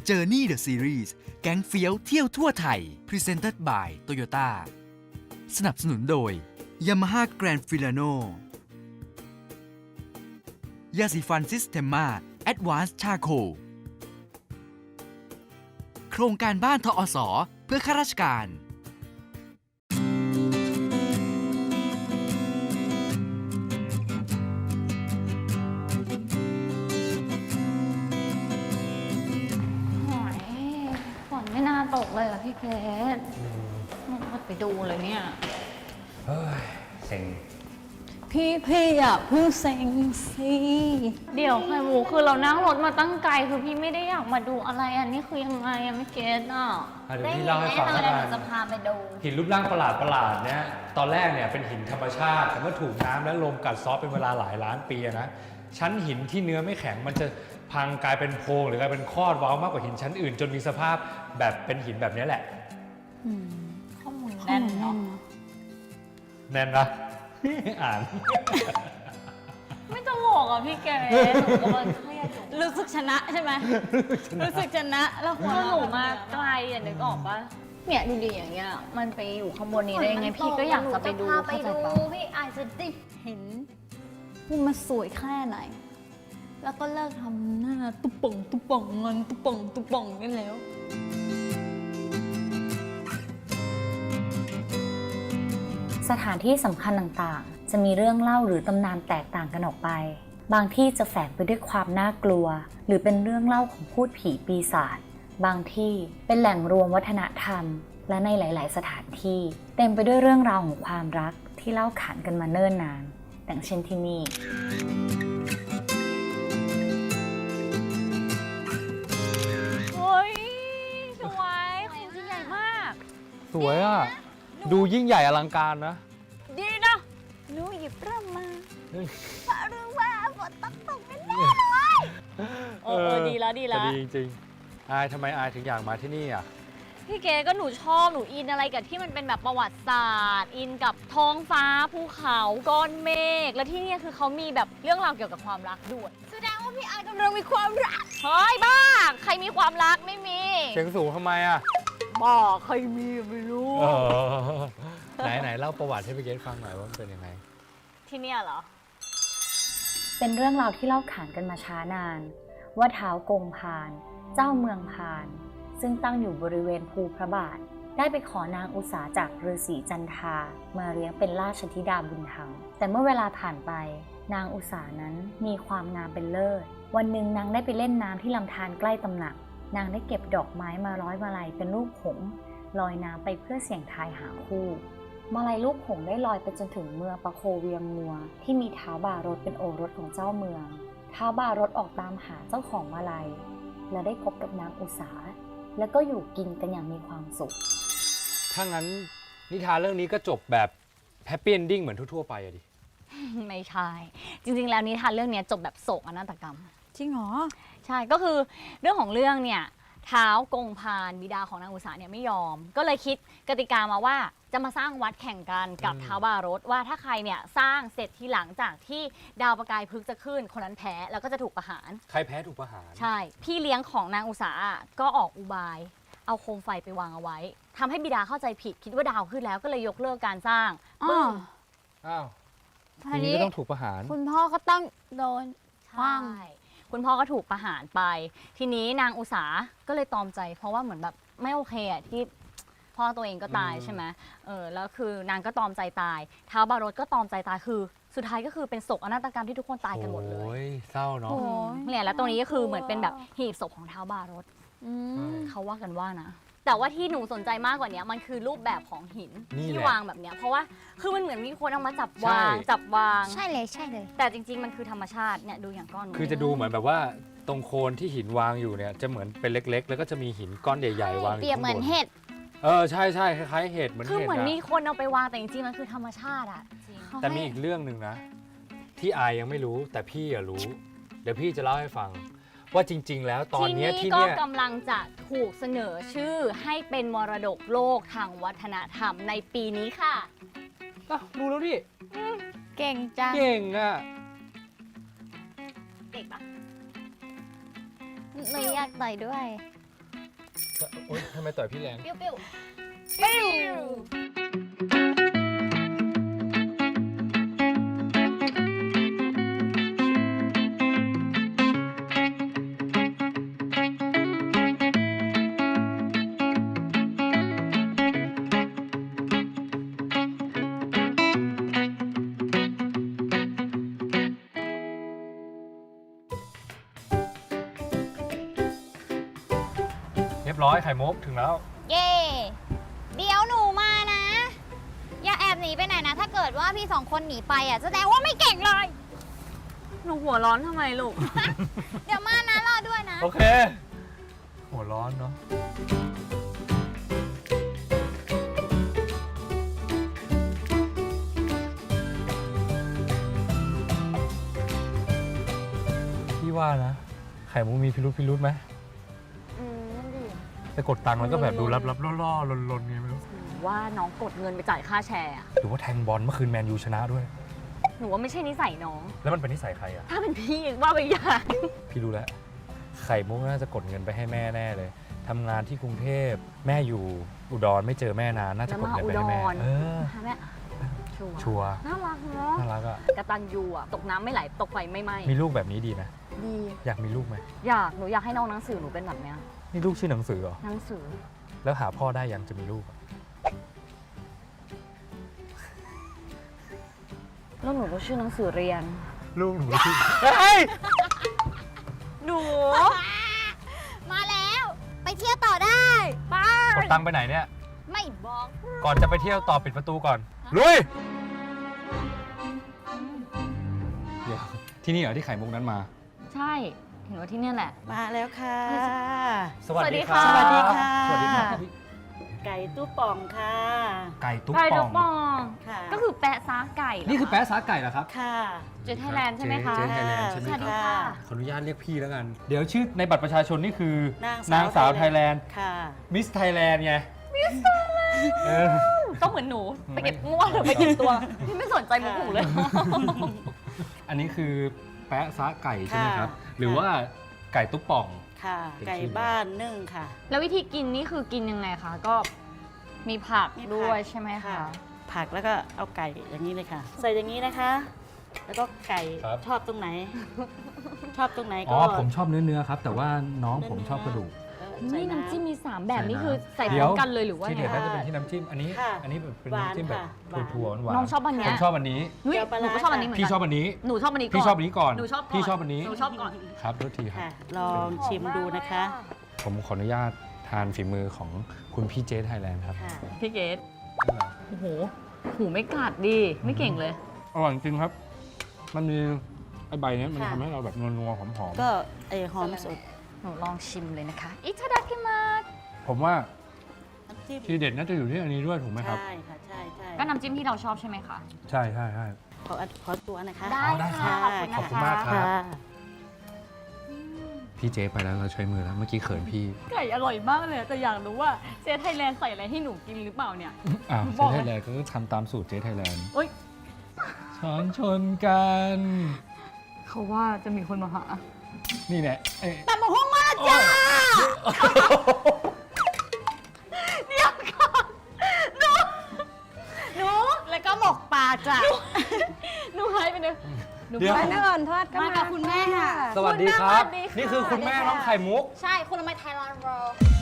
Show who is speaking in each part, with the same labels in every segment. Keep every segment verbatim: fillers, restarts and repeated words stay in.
Speaker 1: Journey the Series แก๊งเฟี้ยวเที่ยวทั่วไทย Presented by Toyota สนับสนุนโดย Yamaha Grand Filano ยาสีฟันซิสเทมมา Advanced Charcoal โครงการบ้านทอสเพื่อข้าราชการ
Speaker 2: ไม่น่าตกเลยอ่ะพี่เกดไปดูเลยเนี่ย
Speaker 3: เฮ้ยเซ็ง
Speaker 4: พี่พี่อย่าเพิ่งเซ็งสิ
Speaker 2: เดี๋ยวไข่หมูคือเรานั่งรถมาตั้งไกลคือพี่ไม่ได้อยากมาดูอะไรอันนี้คือยังไงอะไม่เก็ตอ่ะ
Speaker 3: เดี๋ยวพี่เล่าให้ฟังแล้วกันจะพาไปดูหินรูปร่างประหลาดประหลาดเนี่ยตอนแรกเนี่ยเป็นหินธรรมชาติแต่เมื่อถูกน้ำและลมกัดเซาะเป็นเวลาหลายล้านปีนะชั้นหินที่เนื้อไม่แข็งมันจะพังกลายเป็นโพรงหรือกลายเป็นคอดว้าวมากกว่าหินชั้นอื่นจนมีสภาพแบบเป็นหินแบบนี้แหละ
Speaker 2: ข้อมูลแน่นเนาะ
Speaker 3: แน่นนะอ่าน
Speaker 2: ไม่ตลกอ่ะพี่แกหนูก็เครียด
Speaker 4: รู้สึกชนะใช่ไหมรู้สึกชนะแล้วหัว
Speaker 2: หนูมาไกลอ่ะนึกออกปะเนี่ยดูดีอย่างเงี้ยมันไปอยู่ข้างบนนี้ได้ยังไงพี่ก็อยากจะไปดู
Speaker 4: ไปดูพี่อาจจะได้เห็นว่ามันสวยแค่ไหนแล้วก็เลิกทำหน้าตุ๊ป่องตุ๊ป่องงอนตุ๊ป่องตุ๊ป่องกันแล้ว
Speaker 5: สถานที่สำคัญต่างๆจะมีเรื่องเล่าหรือตำนานแตกต่างกันออกไปบางที่จะแฝงไปด้วยความน่ากลัวหรือเป็นเรื่องเล่าของพูดผีปีศาจบางที่เป็นแหล่งรวมวัฒนธรรมและในหลายๆสถานที่เต็มไปด้วยเรื่องราวของความรักที่เล่าขานกันมาเนิ่นนานอย่างเช่นที่นี่
Speaker 2: เฮ้ยสวยของจริงใหญ่มาก
Speaker 3: สวยอ่ะดูยิ่งใหญ่อลังการนะ
Speaker 4: ดีนะหนูหยิบเริ่มมาเพราะรู้ว่าฝนต้องตกแน่ๆเลย
Speaker 2: เออดีแล้วดีแล้ว
Speaker 3: ดีจริงๆอายทำไมอายถึงอยากมาที่นี่อ่ะ
Speaker 2: พี่เก๋ก็หนูชอบหนูอินอะไรกับที่มันเป็นแบบประวัติศาสตร์อินกับท้องฟ้าภูเขาก้อนเมฆและที่นี่คือเขามีแบบเรื่องราวเกี่ยวกับความรักด้วย
Speaker 4: แสดงว่าพี่อายกำลังมีความรัก
Speaker 2: เฮ้ยบ้าใครมีความรักไม่มี
Speaker 3: เสียงสูงทำไมอ่ะ
Speaker 4: บ้าใครมีไม่รู้
Speaker 3: ไหนไหนเล่าประวัติให้พี่เกดฟังหน่อยว่ามันเป็นยังไง
Speaker 2: ที่เนี่ยเหรอ
Speaker 5: เป็นเรื่องราวที่เล่าขานกันมาช้านานว่าท้าวกงพานเจ้าเมืองพานซึ่งตั้งอยู่บริเวณภูพระบาทได้ไปขอนางอุษาจากฤาษีจันทามาเลี้ยงเป็นราชธิดาบุญธรรมแต่เมื่อเวลาผ่านไปนางอุษานั้นมีความงามเป็นเลิศวันหนึ่งนางได้ไปเล่นน้ำที่ลำธารใกล้ตำหนักนางได้เก็บดอกไม้มาร้อยมาลัยเป็นรูปหงส์ลอยน้ำไปเพื่อเสี่ยงทายหาคู่มาลัยรูปหงส์ได้ลอยไปจนถึงเมืองปะโคเวียงมัวที่มีท้าวบารถเป็นโอรสของเจ้าเมืองท้าวบารถออกตามหาเจ้าของมาลัยและได้พบกับนางอุษาแล้วก็อยู่กินกันอย่างมีความสุข
Speaker 3: ถ้างั้นนิทานเรื่องนี้ก็จบแบบแฮปปี้เอนดิ้งเหมือนทั่วๆไปอะดิ
Speaker 2: ไม่ใช่จริงๆแล้วนิทานเรื่องนี้จบแบบโศกนาฏกรรม
Speaker 4: จริงเหรอ
Speaker 2: ใช่ก็คือเรื่องของเรื่องเนี่ยท้าวกงพานบิดาของนางอุษาเนี่ยไม่ยอมก็เลยคิดกติกามาว่าจะมาสร้างวัดแข่งกันกับท้าวบารถว่าถ้าใครเนี่ยสร้างเสร็จทีหลังจากที่ดาวประกายพฤกษ์จะขึ้นคนนั้นแพ้แล้วก็จะถูกประหาร
Speaker 3: ใครแพ้ถูกประหาร
Speaker 2: ใช่พี่เลี้ยงของนางอุษาก็ออกอุบายเอาโคมไฟไปวางเอาไว้ทำให้บิดาเข้าใจผิดคิดว่าดาวขึ้นแล้วก็เลยยกเลิกการสร้าง
Speaker 4: อ้าว
Speaker 3: อ้าวทีนี้ก็ต้องถูกประหาร
Speaker 4: คุณพ่อก็ต้องโดน
Speaker 2: ใช่คุณพ่อก็ถูกประหารไปทีนี้นางอุษาก็เลยตอมใจเพราะว่าเหมือนแบบไม่โอเคอ่ะที่พ่อตัวเองก็ตายใช่ไหมเออแล้วคือนางก็ตอมใจตายท้าวบารถก็ตอมใจตายคือสุดท้ายก็คือเป็นโศกนาฏกรรมที่ทุกคนตายกันหมดเลย
Speaker 3: โอ้ยเศร้าเนาะ
Speaker 2: เนี่ยแล้วตรงนี้ก็คือเหมือนเป็นแบบหีบศพของท้าวบารถเขาว่ากันว่านะแต่ว่าที่หนูสนใจมากกว่านี้มันคือรูปแบบของหินที่วางแบบเนี้ยเพราะว่าคือมันเหมือนมีคนเอามาจับวางจับวาง
Speaker 4: ใช่เลยใช่เลย
Speaker 2: แต่จริงๆมันคือธรรมชาติเนี่ยดูอย่างก้อน
Speaker 3: คือจะดูเหมือนแบบว่าตรงโคนที่หินวางอยู่เนี่ยจะเหมือนเป็นเล็กๆแล้วก็จะมีหินก้อนใหญ่ๆวางอยู่
Speaker 4: เปรียบเหมือนเห็ด
Speaker 3: เออใช่ใช่คล้ายๆเห็ดเหมือนเห็ด
Speaker 2: คือเหมือนมีคนเอาไปวางแต่จริงๆมันคือธรรมชาติอะ
Speaker 3: แต่มีอีกเรื่องหนึ่งนะที่อายยังไม่รู้แต่พี่อะรู้เดี๋ยวพี่จะเล่าให้ฟังว่าจริงๆแล้วตอนนี้ที่
Speaker 2: นี่ก็กำลังจะถูกเสนอชื่อให้เป็นมรดกโลกทางวัฒนธรรมในปีนี้ค่ะ
Speaker 3: อ้าวรู้แล้วดิ
Speaker 4: เก่งจัง
Speaker 3: เก่งอะ
Speaker 2: เด็กปะ
Speaker 4: หนูอยากต่อยด้วย
Speaker 3: โอ๊ยทำไมต่อยพี่แรง
Speaker 4: ปิ้วปิ้วปิ้ว
Speaker 3: เรียบร้อยไข่มุกถึงแล้ว
Speaker 4: เย่เดี๋ยวหนูมานะ อย่าแอบหนีไปไหนนะ ถ้าเกิดว่าพี่สองคนหนีไปอ่ะแสดงว่าไม่เก่งเลย
Speaker 2: หนูหัวร้อนทำไมลูก
Speaker 4: เดี๋ยวมานะรอด้วยนะ
Speaker 3: โอเค หัวร้อนเนาะพี่ว่านะ ไข่มุกมีพิรุธพิรุธไหม
Speaker 2: อืมนั่นดิ
Speaker 3: ไปกดตังค์แล้วก็แบบดูลับๆล่อๆลนๆไงไม่รู้
Speaker 2: ว่าน้องกดเงินไปจ่ายค่าแชร์อะ
Speaker 3: หรือว่าแทงบอลเมื่อคืนแมนยูชนะด้วย
Speaker 2: หนูว่าไม่ใช่นิสัยน้อง
Speaker 3: แล้วมันเป็นนิสัยใครอ่ะ
Speaker 2: ถ้าเป็นพี่ว่าไปอย่าง
Speaker 3: พี่รู้แล้ว ไข่มุกน่าจะกดเงินไปให้แม่แน่เลยทำงานที่กรุงเทพแม่อยู่อุดรไม่เจอแม่นานน่าจะกดเงินไปให้แม่
Speaker 2: แล้วมาอุดร
Speaker 3: เออ
Speaker 2: ค่ะแม่ชัวร์
Speaker 3: ชัวร์
Speaker 2: น่ารักเนาะ
Speaker 3: น่ารักอ่ะ
Speaker 2: กระตันยูอะตกน้ำไม่ไหลตกไฟไม่ไหม้
Speaker 3: มีลูกแบบนี้ดีนะ
Speaker 2: ดี
Speaker 3: อยากมีลูกไหม
Speaker 2: อยากหนูอยากให้น้องหนังสือหนูเป็นแบบเนี้ย
Speaker 3: นี่ลูกชื่อหนังสือเหรอ
Speaker 2: หนังสือ
Speaker 3: แล้วหาพ่อได้ยังจะมีลูกอะ
Speaker 2: แล้วหนูก็ชื่อหนังสือเรียน
Speaker 3: ลูกหนูชื่อเฮ้ย
Speaker 2: หนู
Speaker 4: มาแล้ว ไปเที่ยวต่อได้ไป
Speaker 3: กดตังค์ไปไหนเนี่ย
Speaker 4: ไม่บอก
Speaker 3: ก่อนจะไปเที่ยวต่อปิดประตูก่อน ลุย เดี๋ยวที่นี่เหรอที่ไข่มุกนั้นมา
Speaker 2: ใช่เห็นว่าที่เนี่ยแหละ
Speaker 6: มาแล้วค่ะ
Speaker 3: สวัสดี
Speaker 2: สวั
Speaker 3: ค่ะ
Speaker 2: สดี
Speaker 6: ค่ะ
Speaker 3: สวัสดีค่ะ
Speaker 6: ไก่ตู้ป่องค่ะ
Speaker 3: ไก่ตุ๊ก
Speaker 2: ไก่
Speaker 3: ป่
Speaker 2: ด
Speaker 3: อ
Speaker 2: อก
Speaker 3: ง
Speaker 2: ปอง
Speaker 6: ค่ะ
Speaker 2: ก็คือแปะซาไก่เหร
Speaker 3: นี่คือแป๊ะซาไก่เหรอครับ
Speaker 6: ค่ะ
Speaker 2: เจไทยแลนด์ใช่ไหมคะ
Speaker 3: เจ๊ไทยแลนด์ใช่ไหม
Speaker 2: สวัสดี
Speaker 3: ครับ
Speaker 2: ค่ะ
Speaker 3: ขออนุญาตเรียกพี่แล้วกัน เดี๋ยวชื่อในบัตรประชาชนนี่คือน
Speaker 6: าง
Speaker 3: นางสาวไทยแลนด์
Speaker 6: ค่ะ
Speaker 3: มิสไทยแลนด์ไง มิสไทยแลนด์
Speaker 2: ต้องเหมือนหนู ไปเก็บงวดหรือไปเก็บตัว พี่ไม่สนใจมุกหนูเลย
Speaker 3: อันนี้คือแป๊ะซาไก่ใช่ไหมครับ
Speaker 6: ค่ะ
Speaker 3: หรือว่าไก่ตุ๊กป่อง
Speaker 6: ค่ะ
Speaker 3: เป็น
Speaker 6: ไก่
Speaker 3: ชื่อ
Speaker 6: บ้านนึ่งค่ะ
Speaker 2: แล้ววิธีกินนี่คือกินยังไงคะ ก็มีผัก
Speaker 6: มีผัก
Speaker 2: ด้วยใช่ไหมคะ
Speaker 6: ผักแล้วก็เอาไก่อย่างนี้เลยค่ะ ใส่อย่างนี้นะคะ แล้วก็ไก่
Speaker 3: ครับ
Speaker 6: ชอบตรงไหน ชอบตรงไหน
Speaker 3: อ๋
Speaker 6: ก็
Speaker 3: อผมชอบเนื้อเนื้อครับ แต่ว่าน้องผมชอบกระดูก
Speaker 6: เออใส่
Speaker 2: นี่น้ำจิ้มมีสามแบบ
Speaker 3: ใส่
Speaker 2: นี่
Speaker 3: น้ำ
Speaker 2: คือใส่พ
Speaker 3: เดี๋
Speaker 2: ร้
Speaker 3: ย
Speaker 2: อ
Speaker 3: ว
Speaker 2: มกันเลยหรือว่า
Speaker 3: ที่
Speaker 2: ไง
Speaker 3: เด็ดน่าจะเป็นที่น้ำจิ้ม อันนี้
Speaker 6: ค่ะ
Speaker 3: อันนี้เป็น
Speaker 6: หวาน
Speaker 3: น้ำจิ้มแบบ
Speaker 6: ค่ะหวาน
Speaker 3: ถั่วๆหวาน
Speaker 2: น้องชอบอัน
Speaker 3: ผ
Speaker 2: เนี้ย
Speaker 3: มชอบอันนี้
Speaker 2: นุ้ย
Speaker 6: เดี๋ยวปลา
Speaker 2: หนู
Speaker 6: ร้า
Speaker 2: ก็ชอบอันนี้เหมือน
Speaker 3: พี่
Speaker 2: กัน
Speaker 3: ชอบอันนี้
Speaker 2: หนูชอบอันนี้ก่อน
Speaker 3: พี่ชอบอันนี้ก่อน
Speaker 2: หนูชอบก่อน
Speaker 3: พี่ชอบอันนี้
Speaker 2: หนูชอบก่อน
Speaker 3: ครับโทษทีครับ
Speaker 6: ค่ะ ลองชิมดูนะคะ
Speaker 3: ผมขออนุญาตทานฝีมือของคุณพี่เจสไทยแลนด์ครับ
Speaker 6: ค่ะ
Speaker 2: พี่เกดโอ้โห หูไม่กัดดิ ไม่เก่งเลย
Speaker 3: อร่อยจริงครับ มันมีไอใบเนี้ยมัน
Speaker 6: ค่ะ
Speaker 3: ทำให้เราแบบนัวๆหอม
Speaker 6: ก็ไอหอมสด
Speaker 2: หนูลองชิมเลยนะคะ อิทาดากิมาส
Speaker 3: ๆผมว่า
Speaker 6: น้ำจิ้ม
Speaker 3: ทีเด็ดน่าจะอยู่ที่อันนี้ด้วยถูกไหมครับ
Speaker 6: ใช่ค่ะ ใช่ใช่
Speaker 2: ก็น้ำจิ้มที่เราชอบใช่ไหมคะ
Speaker 3: ใช่ใช่ใช่
Speaker 6: ขออันขอตัวนะคะ
Speaker 2: ได้
Speaker 3: อ๋อได้ครั
Speaker 2: ค่ะ
Speaker 3: บ
Speaker 2: ขอบคุณ
Speaker 3: ขอบคุณ
Speaker 2: นะ
Speaker 3: มาก
Speaker 2: คะ
Speaker 3: ครับ
Speaker 6: ค่ะ
Speaker 3: พี่เจไปแล้วเราใช้มือแล้วเมื่อกี้เขินพี่
Speaker 2: ไก่อร่อยมากเลย แต่อยากรู้ว่าเจไทยแลนด์ใส่อะไรให้หนูกินหรือเปล่าเนี่ย
Speaker 3: อ้าว
Speaker 2: บ
Speaker 3: เจ
Speaker 2: อกเลย
Speaker 3: ไทยแลนด์ก็ทำตามสูตรเจไทยแลนด์
Speaker 2: เอ้ย
Speaker 3: ช้อนชนกัน
Speaker 2: เขาว่าจะมีคนมาหา
Speaker 3: นี่แหละเอ้ย
Speaker 6: แต่หมูห้องมาจ้า
Speaker 2: หนู
Speaker 6: แล้วก็หมกปลาจ้ะ
Speaker 2: หนูหายไปเลยหนู
Speaker 3: เดี๋ยว
Speaker 2: หายไป
Speaker 4: นั่งก่อนทอดก็
Speaker 6: มา
Speaker 4: มา
Speaker 6: กับคุณแม่ค่ะ
Speaker 3: สวัสดีครับ
Speaker 2: สวัสดีค่ะ
Speaker 3: นี่คือคุณแม่น้องไข่มุก
Speaker 4: ใช่ คุณละไมไทยแลนด์โร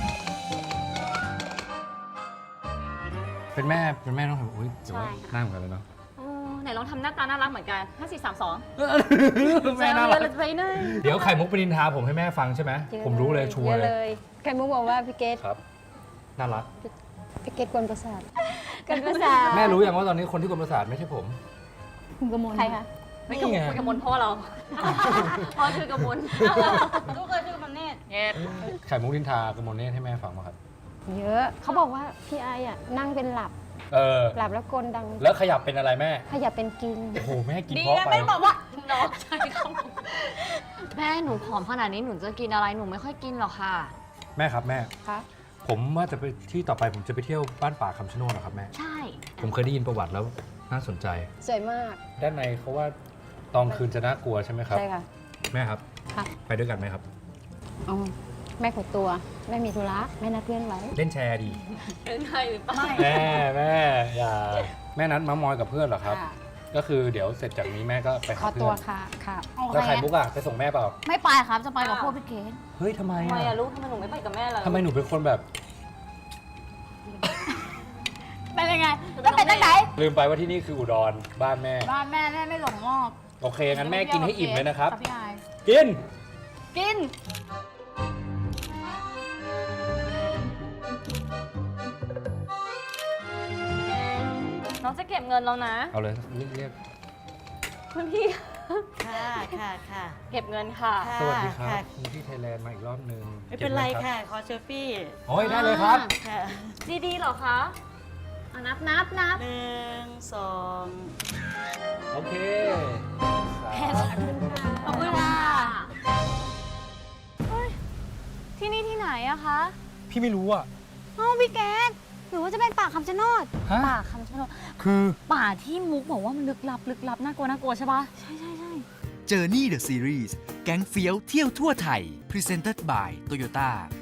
Speaker 3: เป็นแม่เป็นแม่น้องไข่มุกอุ้ยแต่ว่า
Speaker 2: ใช่ค่ะ
Speaker 3: หน้าเหมือนกันเลยเนาะ
Speaker 2: เออไหนลองทำหน้าตาน่ารักเหมือนกันห้าสี่สามสอง
Speaker 3: แม่น่ารัก
Speaker 2: ไปหน่อย
Speaker 3: เดี๋ยวไข่มุกไปนินทาผมให้แม่ฟังใช่ไหมผมรู้เลยชัวร์เลย
Speaker 7: ไข่มุกบอกว่าพี่เกด
Speaker 3: ครับน่ารัก
Speaker 7: พี่เกดกวนประสาท
Speaker 4: กันภาษา
Speaker 3: แม่รู้ยังว่าตอนนี้คนที่กวนประสาทไม่ใช่ผม
Speaker 7: คุณกมล
Speaker 4: ใครคะ
Speaker 2: ไม่กับ
Speaker 3: นี่ไง
Speaker 2: คุยกับมนพ่อเรา พ่อชื่อกระมล
Speaker 4: ลูกเคยชื่อมันเนต
Speaker 2: เย็ด
Speaker 3: ไข่มุกนินทากระมวลเนตให้แม่ฟังมาครับ
Speaker 7: เยอะ เขาบอกว่าพี่ไออ่ะนั่งเป็นหลับ
Speaker 3: เออ
Speaker 7: หลับแล้วกลดัง
Speaker 3: แล้วขยับเป็นอะไรแม่
Speaker 7: ขยับเป็นกิน
Speaker 3: โอ้โหแม่กิน
Speaker 2: ดี
Speaker 3: เพราะ
Speaker 2: นะ
Speaker 3: ไป
Speaker 2: แม่บอกว่าน้องใช่ครับแม่หนูผอมขนาดนี้หนูจะกินอะไรหนูไม่ค่อยกินหรอกค่ะ
Speaker 3: แม่ครับแม่
Speaker 7: ครับ
Speaker 3: ผมว่าจะไปที่ต่อไปผมจะไปเที่ยวบ้านป่าคำชะโนดนะครับแม่
Speaker 2: ใช่
Speaker 3: ผมเคยได้ยินประวัติแล้วน่าสนใจ
Speaker 7: สวยมาก
Speaker 3: ด้านในเขาว่าตอนคืนจะน่ากลัวใช่ไหมครับ
Speaker 7: ใช่ค่ะ
Speaker 3: แม่ครับ
Speaker 7: ครับ
Speaker 3: ไปด้วยกันไหมครับ
Speaker 7: อ๋อแม่ขอตัวแม่มีธุระแม่นัดเพื่อนไว้
Speaker 3: เล่นแชร์ดี
Speaker 2: เป็นไทยหรือเปล่า
Speaker 3: แม่แม่อย่าแม่นัดมามอยกับเพื่อนเหรอครับ
Speaker 7: ค่ะ
Speaker 3: ก็คือเดี๋ยวเสร็จจากนี้แม่ก็ไป
Speaker 7: ข
Speaker 3: หา
Speaker 7: อ
Speaker 3: เพื่
Speaker 7: ตัว
Speaker 3: อน
Speaker 7: ค่ะค่ะ
Speaker 3: แล้วไข่มุกอะไปส่งแม่เปล่า
Speaker 4: ไม่ไปครับ จะไปกับพวกพี่เกด
Speaker 3: เฮ้ยทำไม
Speaker 2: ทำไม
Speaker 3: อะ
Speaker 2: อะลูกทำไมหนูไม่ไปกับแม่ล่ะ
Speaker 3: ทำไมหนูเป็นคนแบบ
Speaker 4: เป็นยังไงแล้วเป็นตั้งไหน
Speaker 3: ลืมไปว่าที่นี่คืออุดรบ้านแม่
Speaker 4: บ้านแม่แม่ไม่หลงงอก
Speaker 3: โอเคงั้นแม่กินให้อิ่มเลยนะครับ
Speaker 4: พี่ไอาย
Speaker 3: กิน
Speaker 4: กิน
Speaker 2: น้องจะเก็บเงินแล้วนะ
Speaker 3: เอาเลยเรียกเรียก
Speaker 2: คุณพี่
Speaker 6: ค่ะค่ะค่ะ
Speaker 2: เก็บเงินค่ะ
Speaker 6: ค่ะ
Speaker 3: สวัสดีครั
Speaker 6: ค่ะ
Speaker 3: บคุณพี่ไทยแลนด์มาอีกรอบหนึง
Speaker 6: ไม่เป็นไร
Speaker 3: ก็บห
Speaker 6: ค่ะ ขอเซลฟี่
Speaker 3: โอ้ยได้เลยครับ
Speaker 6: ค่ะ
Speaker 2: ดีๆเหรอคะ
Speaker 4: อ่ะนับนับนับ
Speaker 6: หนึ่งสอง
Speaker 3: โอเค
Speaker 4: ขอบคุณค่ะ
Speaker 2: ที่นี่ที่ไหนอะคะ
Speaker 3: พี่ไม่รู้อ่ะ
Speaker 4: เอ้าพี่เกดหรือว่าจะเป็นป่าคำชะโนด
Speaker 3: ฮะ
Speaker 2: ป่าคำชะโนด
Speaker 3: คือ
Speaker 2: ป่าที่มุกบอกว่ามันลึกลับลึกลับน่ากลัวน่ากลัวใช่ปะ
Speaker 4: ใช่ใช่ใช่
Speaker 1: Journey the Series แก๊งเฟี้ยวเที่ยวทั่วไทย Presented by Toyota